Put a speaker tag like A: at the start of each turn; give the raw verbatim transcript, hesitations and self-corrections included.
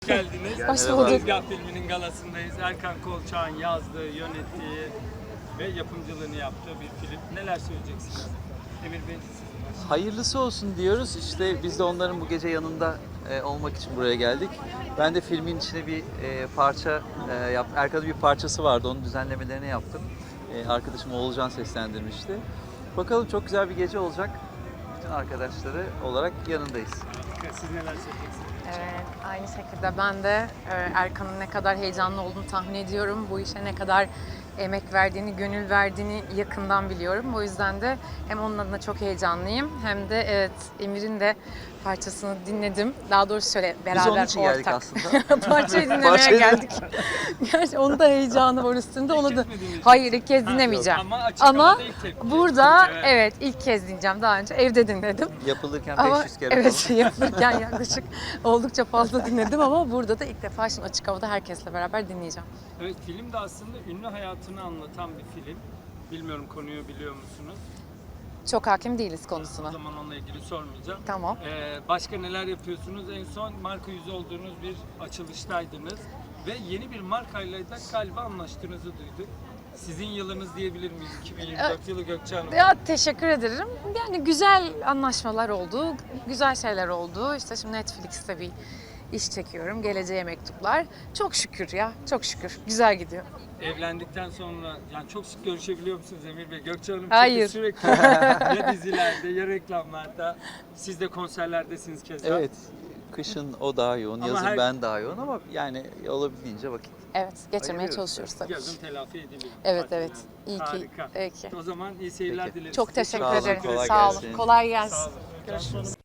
A: Geldiniz.
B: Hoş bulduk.
A: Tezgah filminin galasındayız. Erkan Kolçak'ın yazdığı, yönettiği ve yapımcılığını yaptığı bir film. Neler söyleyeceksiniz? Emir Bey, siz
C: Hayırlısı olsun diyoruz. İşte biz de onların bu gece yanında e, olmak için buraya geldik. Ben de filmin içine bir e, parça e, yap. Erkan'ın bir parçası vardı. Onun düzenlemelerini yaptım. E, arkadaşım Oğulcan seslendirmişti. Bakalım, çok güzel bir gece olacak. Bütün arkadaşları olarak yanındayız.
A: Siz neler söyleyeceksiniz?
B: Evet, aynı şekilde ben de e, Erkan'ın ne kadar heyecanlı olduğunu tahmin ediyorum. Bu işe ne kadar emek verdiğini, gönül verdiğini yakından biliyorum. O yüzden de hem onun adına çok heyecanlıyım hem de evet Emir'in de parçasını dinledim. Daha doğrusu şöyle beraber
C: Biz onun için
B: ortak.
C: geldik aslında.
B: Parçayı dinlemeye
C: Parçayı-
B: geldik. Gerçi onun da heyecanı var üstünde. Onu da
A: çekmediğiniz için.
B: hayır ilk kez
A: Ha,
B: dinlemeyeceğim.
A: Ama açık
B: Ama
A: havada ilk tepki.
B: burada
A: Evet.
B: evet ilk kez dinleyeceğim. Daha önce evde dinledim.
C: Yapılırken
B: Ama
C: beş yüz kere
B: evet
C: falan.
B: yapılırken yaklaşık oldukça fazla dinledim ama burada da ilk defa şimdi açık havada herkesle beraber dinleyeceğim.
A: Evet, film de aslında ünlü hayatını anlatan bir film. Bilmiyorum, konuyu biliyor musunuz?
B: Çok hakim değiliz
A: O
B: konusuna.
A: zaman onunla ilgili sormayacağım.
B: Tamam.
A: Ee, başka neler yapıyorsunuz? En son marka yüzü olduğunuz bir açılıştaydınız. Ve yeni bir markayla da galiba anlaştığınızı duyduk. Sizin yılınız diyebilir miyiz? iki bin yirmi dört yılı Gökçe Hanım.
B: Ya teşekkür ederim. Yani güzel anlaşmalar oldu, güzel şeyler oldu. İşte şimdi Netflix'te bir iş çekiyorum. Geleceğe mektuplar. Çok şükür ya, çok şükür. Güzel gidiyor.
A: Evlendikten sonra yani çok sık görüşebiliyor musunuz Emir Bey? Gökçe Hanım çünkü
B: Hayır.
A: sürekli ya dizilerde ya reklamlarda, siz de konserlerdesiniz keza.
C: Evet. Kışın o daha yoğun,
A: Ama
C: yazın
A: her-
C: ben daha yoğun ama yani olabildiğince vakit.
B: Evet, geçirmeye
C: Ayırıyoruz.
B: çalışıyoruz tabii.
A: Yazın telafi ediliyor.
B: Evet,
A: Tatil
B: evet.
A: yani.
B: İyi ki.
A: Harika.
B: İyi ki.
A: O zaman iyi seyirler
C: Peki.
A: dileriz.
B: Çok
A: Size.
B: teşekkür
C: Sağ olun,
B: ederim.
C: kolay
B: Sağ olun.
C: gelsin.
B: Kolay
A: Sağ
B: gelsin.
A: olun.
B: Görüşürüz.